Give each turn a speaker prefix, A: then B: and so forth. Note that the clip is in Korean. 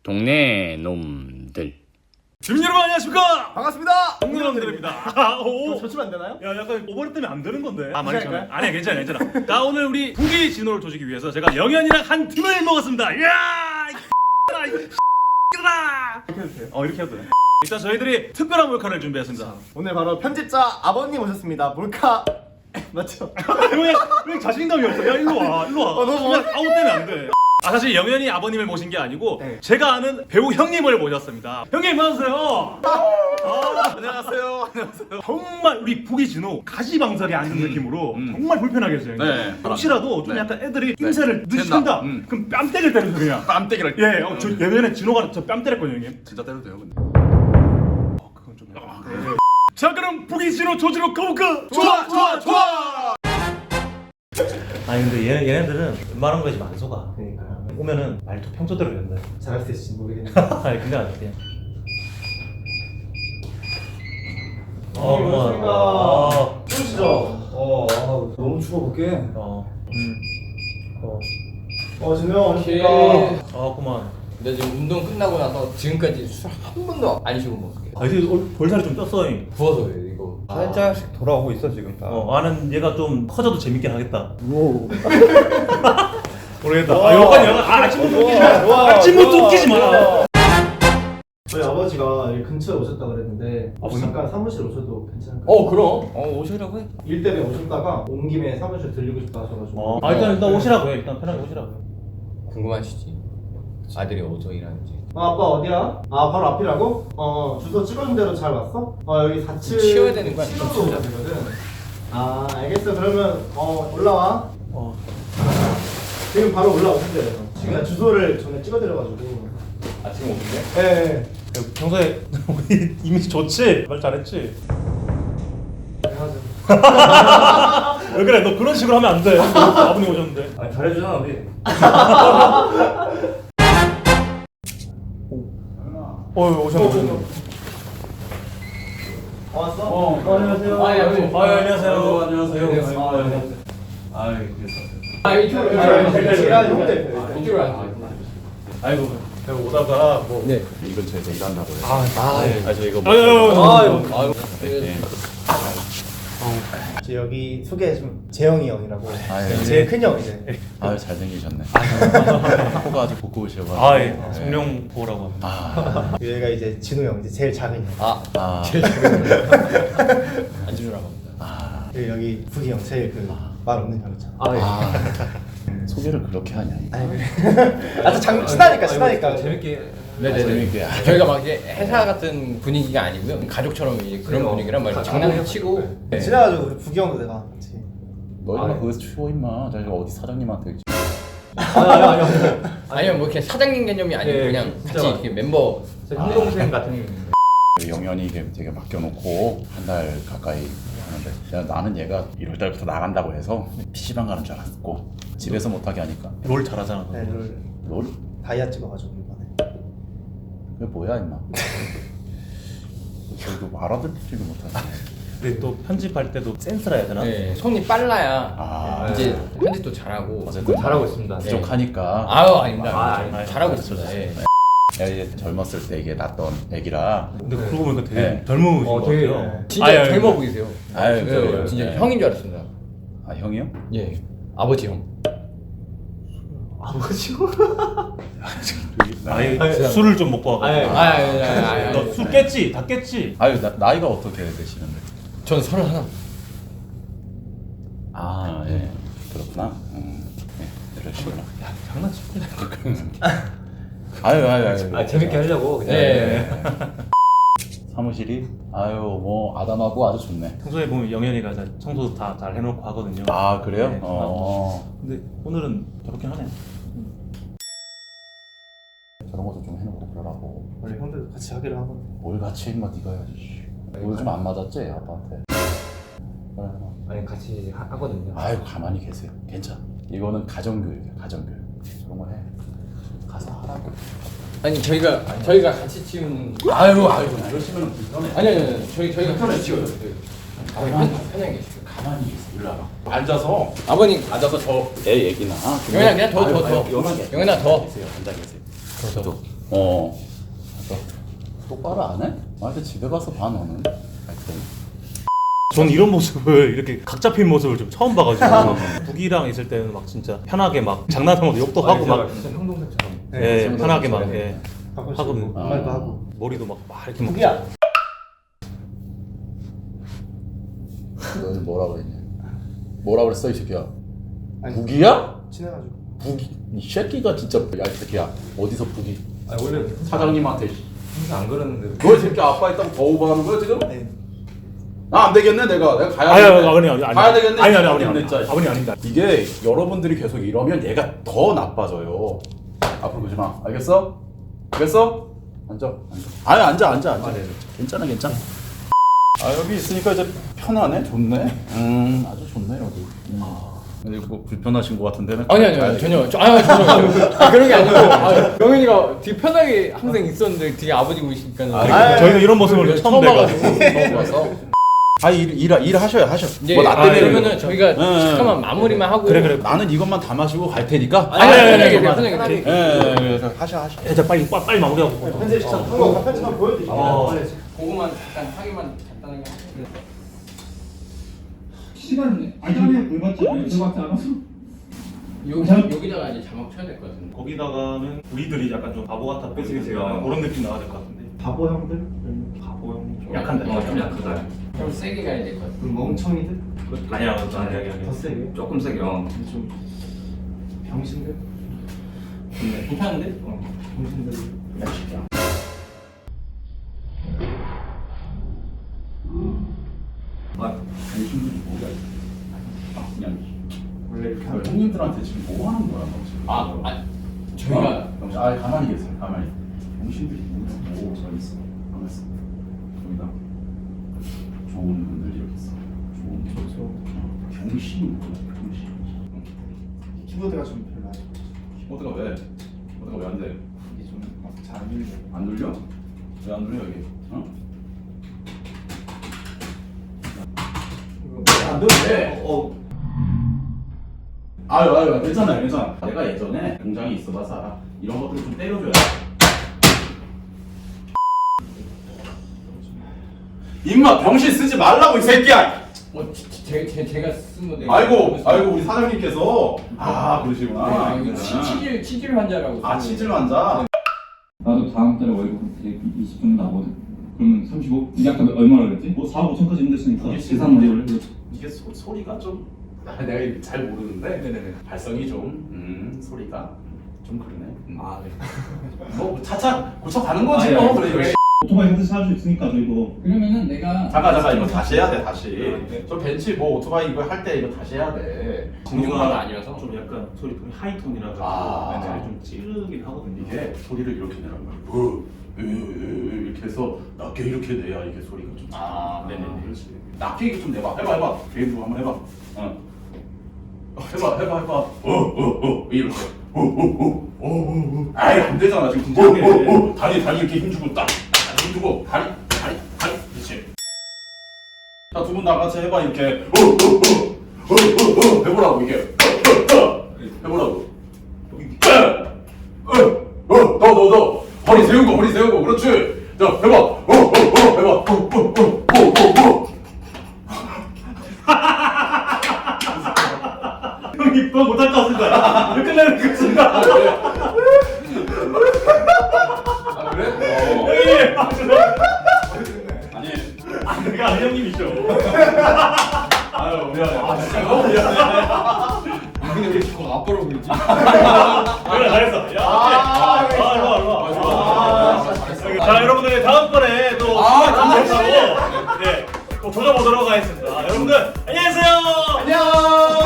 A: 동네 놈들.
B: 주민 여러분 안녕하십니까?
C: 반갑습니다.
B: 동네 놈들입니다. 오.
C: 저치면 안 되나요?
B: 야 약간 오버랩 때문에 안 되는 건데.
C: 괜찮아요?
B: 괜찮아. 아니야 괜찮아. 자 오늘 우리 부기 진호를 조지기 위해서 제가 영현이랑 한 팀을 먹었습니다. 이야! 이렇게 해도 돼요? 이렇게 해도 돼. 일단 저희들이 특별한 몰카를 준비했습니다.
C: 오늘 바로 편집자 아버님 오셨습니다. 몰카 맞죠?
B: 왜 자신감이 없어? 야 일로 와.
C: 너무
B: 그냥 아무 때문에 안 돼. 사실 영현이 아버님을 모신 게 아니고
C: 네.
B: 제가 아는 배우 형님을 모셨습니다. 형님 안녕하세요.
C: 안녕하세요.
B: 정말 우리 부기 진호 가시방석에 앉은 느낌으로 정말 불편하게 했어요.
A: 네.
B: 혹시라도 좀
A: 네.
B: 약간 애들이 임새를
A: 된다.
B: 늦춘다. 그럼 뺨때를 때려서 그냥.
A: 뺨때기를.
B: 예, 저 예전에 진호가 저 뺨 때렸거든요, 형님.
A: 진짜 때려도 돼요, 근데.
B: 그건 좀. 자, 그럼 부기 진호 조지로 가볼까?
C: 좋아.
D: 아니 근데 얘네들은 웬만한 거에 지금 안 속아. 그러니까 오면은 말도 평소대로 된다.
C: 잘할 수 있을지 모르겠는데.
D: 아니 근데 안 돼.
C: 안녕하십니까. 추우시죠? 너무 추워 볼게. 진호 안녕하십니까.
D: 그만.
E: 근데 지금 운동 끝나고 나서 지금까지 술 한 번도 안 쉬고 먹게.
D: 아 이제 볼살이 좀 떴어.
E: 부어서 이거.
C: 살짝씩 돌아오고 있어 지금.
D: 나는 얘가 좀 커져도 재밌게 하겠다. 모르겠다. 아침부터 웃기지 마. 아침부터 웃기지 마.
C: 저희 아버지가 여기 근처에 오셨다 그랬는데 혹시 잠깐 사무실 오셔도 괜찮을까요?
E: 그럼. 오시라고 해.
C: 일 때문에 오셨다가 온 김에 사무실 들리고 싶다 하셔가지고.
D: 일단 오시라고 해. 일단 편하게 오시라고 해.
E: 궁금하시지? 아들이 어디서 일하는지.
C: 아빠 어디야? 바로 앞이라고? 주소 찍어준 대로 잘 왔어? 여기 4층
E: 치워야 되는 거야.
C: 치워도 오야 되거든. 알겠어. 그러면 올라와. 지금 바로 올라오신대요. 지금 주소를 전에 찍어드려가지고.
E: 지금 오는데?
C: 네.
D: 평소에 우리 이미지 좋지? 말 잘했지?
C: 당연하죠.
D: 왜 그래? 너 그런 식으로 하면 안 돼. 아버님 오셨는데.
C: 잘해주잖아 우리.
D: 오셨네.
C: 왔어? 안녕하세요.
D: 안녕하세요.
E: 이쪽으로 앉아.
D: 아이고 오다가 뭐.
E: 네.
A: 이 근처에서 일한다고 해요.
D: 저희가
C: 여기 소개 좀 재영이 형이라고.
A: 예.
C: 제일 큰 형 이제.
A: 잘생기셨네. 코가 아주 고꾸우셔가지고.
D: 성룡 보라고 합니다.
C: 얘가 이제 진우 형 이제 제일 작은 형.
E: 제일 작은 거. 앉으라고 합니다.
C: 그리고 여기 부기 형 제일 말 없는 형 있잖아.
A: 소개를 그렇게 하냐.
C: 친하니까.
E: 재밌게.
A: 재밌게.
E: 저희가 막 이제 회사 같은 분위기가 아니고요. 가족처럼 이제 그런 분위기란 말이죠. 장난치고. 네.
C: 친해가지고 우리 부기 형도 내가 같이.
A: 너희가 그거 추워 임마. 저희가 어디 사장님한테.
E: 아니요, 뭐 이렇게 사장님 개념이 아니고 그냥 같이 이렇게 멤버.
D: 형 동생 같은.
A: 영현이 되게 맡겨놓고 한 달 가까이 하는데 나는 얘가 1월달부터 나간다고 해서 PC방 가는 줄 알았고 집에서 못하게 하니까.
D: 롤 잘하잖아.
C: 네,
A: 롤?
C: 다이아 찍어가지고 이번에.
A: 그게 뭐야 임마. 저희도 알아듣지도 못하지.
D: 근데 또 편집할 때도 센스라 해야 되나?
E: 네, 손이 빨라야 이제 편집도 잘하고.
A: 어쨌든
D: 잘하고 있습니다.
E: 네.
A: 부족하니까.
E: 아닙니다. 잘하고 있습니다. 예.
A: 이제 젊었을 때 이게 낳던 애기라.
D: 근데 그러고 보니까 되게
A: 네.
D: 젊으신 것 같아요.
E: 진짜 젊어 보이세요.
A: 아유, 그래요.
E: 진짜
A: 네.
E: 형인 줄 알았습니다.
A: 형이요?
E: 예, 아버지 형.
D: 술을 좀 먹고 와가지고. 너 술 깼지? 다 깼지?
A: 나이가 어떻게 되시는데?
E: 전 31.
A: 예. 그렇구나. 네, 이러시구나.
D: 장난치고.
A: 아유.
D: 재밌게 하려고 그냥.
E: 네.
A: 사무실이 뭐 아담하고 아주 좋네.
D: 평소에 보면 영현이가 청소도 다 잘 해놓고 하거든요.
A: 그래요?
D: 네, 근데 오늘은 저렇게 하네.
A: 저런 것도 좀 해놓고 그러라고.
C: 원래 형들도 같이 하기로 하거든.
A: 뭘 같이 임마 네가 해야지. 오늘 좀 안 맞았지 아빠한테. 그래.
E: 아니 같이 하거든요.
A: 가만히 계세요. 괜찮아. 이거는 가정교육이야. 가정교육. 저런 거 해. 가서 하라고.
E: 아니 저희가 같이 치우는.
A: 이러시면 불편해.
E: 아니 저희가 같이 치워요. 편하게 계시고.
A: 가만히 계세요. 일로 와봐. 앉아서.
E: 아버님 앉아서
A: 애 얘기나.
E: 영현아 그냥 더.
A: 영현아
E: 영현아 더.
A: 계세요. 앉아 계세요. 맞아. 똑바로 안 해? 나한테 집에 가서 봐 너는. 하여튼.
D: 전 이런 모습을 이렇게 각 잡힌 모습을 좀 처음 봐가지고 북이랑 있을 때는 막 진짜 편하게 막 장난하면서 욕도 하고 막
E: 진짜 형동생처럼.
D: 예, 편하게 막
E: 저렴해.
D: 예,
C: 가끔씩
D: 하거든요.
C: 말도 하고.
D: 머리도 막 이렇게 막
C: 북이야.
A: 너는 뭐라 그랬냐? 뭐라 그랬어 이 새끼야?
C: 아니,
A: 북이야?
C: 친해가지고.
A: 북이 이 새끼가 진짜 야 이 새끼야 어디서 북이?
E: 아니 원래
A: 사장님한테
E: 항상 안 그러는데.
A: 너 이 새끼 아빠 있다고 더 오버하는 거야 지금?
C: 네.
A: 나 안 되겠네 내가 가야
D: 아니
A: 되겠네.
D: 아버님
A: 가야 되겠네.
D: 아니
A: 되겠네, 진짜.
D: 아버님 아닙니다.
A: 이게 여러분들이 계속 이러면 얘가 더 나빠져요. 앞으로 보지 마. 알겠어? 알겠어? 앉아. 앉아. 괜찮아. 아 여기 있으니까 이제 편하네. 좋네. 아주 좋네 여기. 근데 뭐 불편하신 것 같은데는.
E: 아니 전혀 그런 게 아니고 영현이가 되게 편하게 항상 있었는데 되게 아버지 보시니까는
D: 저희는 이런 모습을 처음
E: 봐가지고
D: 뵈가지고
E: 처음 봐서
A: 일 하셔.
E: 이제
A: 뭐 나 때문에
E: 그러면은 저희가 잠깐만 마무리만 하고
D: 그래.
A: 나는 이것만 다 마시고 갈 테니까.
E: 편하게 편하게
A: 그래서 하셔.
D: 자 빨리 마무리하고.
C: 편집 시청 한거 편집만 보여드릴게요. 빨리.
E: 그거만 잠깐 하기만 간단하게
F: 시간 시간에 불맞지 않아서
E: 여기다가 이제 자막 쳐야 될 것 같은데.
D: 거기다가는 우리들이 약간 좀 바보 같아 보이니까 그런 느낌 나야 될 것 같은데.
C: 바보 형들?
D: 바보 형 좀
E: 약간
D: 약한데.
E: 좀 약하다. 좀 세게 가야 될 것 같아.
C: 그럼 멍청이들?
D: 아니야 아니야.
C: 더 세게?
F: 조금 세게
C: 좀 병신들?
E: 괜찮은데?
C: 병신들.
A: 당신들이 뭐가 그냥
C: 원래 이렇게 하면
A: 형님들한테 지금 뭐 하는 거야 너 지금?
E: 저희가
A: 병신, 가만히 계세요. 가만히. 병신들이 뭐저 있어. 가만 있어. 여기다 좋은 분들 이렇게 있어. 좋은 병신이 뭐야? 병신.
C: 키보드가 좀 별로
A: 키보드가 왜? 키보드가 왜 안 돼?
C: 이게 좀 잘 안 눌려.
A: 안 눌려? 왜 안 눌려 여기? 안 눌려. 아유 괜찮아. 내가 예전에 공장에 있어봐서 이런 것들 좀 때려줘야 돼. 임마 병신 쓰지 말라고 이 새끼야.
E: 제가 쓴 건데.
A: 아이고 우리 사장님께서 그러시구나.
E: 아, 이거 치질 환자라고.
A: 치질 환자.
F: 나도 다음 달에 월급 20 정도 나거든. 그러면 35? 이게 아까 얼마나 그랬지? 뭐 4, 5천까지 힘들으니까 계산 문제 올려.
A: 이게 소리가 좀 내가 잘 모르는데
E: 네네네.
A: 발성이 좀 소리가 좀 그러네. 뭐 차차 고쳐가는 거지 뭐. 그래.
F: 오토바이 한대 사줄 수 있으니까 저희도.
E: 그러면은 내가
A: 잠깐 이거 다시 해야 돼 다시. 저 벤치 뭐 오토바이 이거 할 때 이거 다시 해야 돼.
E: 공중파가 아니라서
D: 좀 약간 소리 톤이 하이톤이라서 좀 찌르긴 하거든요.
A: 이게 소리를 이렇게 내란 말이야. 이렇게 해서 낮게 이렇게 내야 이게 소리가 좀. 네네네. 그렇지. 낮게 이렇게 좀 내봐. 해봐. 개인도 한번 해봐. 해봐. 이렇게. 아이 안 되잖아 지금. 다리 이렇게 힘주고 딱 힘주고 다리. 그렇지. 자, 두 분 나같이 해봐 이렇게. 해보라고 이게. 해보라고. 너 허리 세우고 그렇지. 자 해봐. 해봐.
D: 형이 그거 못할 것 같습니다. 끝내는 그 순간.
A: 그래? 아니
D: 내가 아는 형님이죠.
A: 아유 미안해. 진짜
E: 근데 왜 자꾸 앞으로 보이지?
D: 그래 잘했어. 야, 좋아. 자 여러분들 다음번에 또 감사하고 또 조져보도록 하겠습니다. 여러분들 안녕히 계세요.
A: 안녕.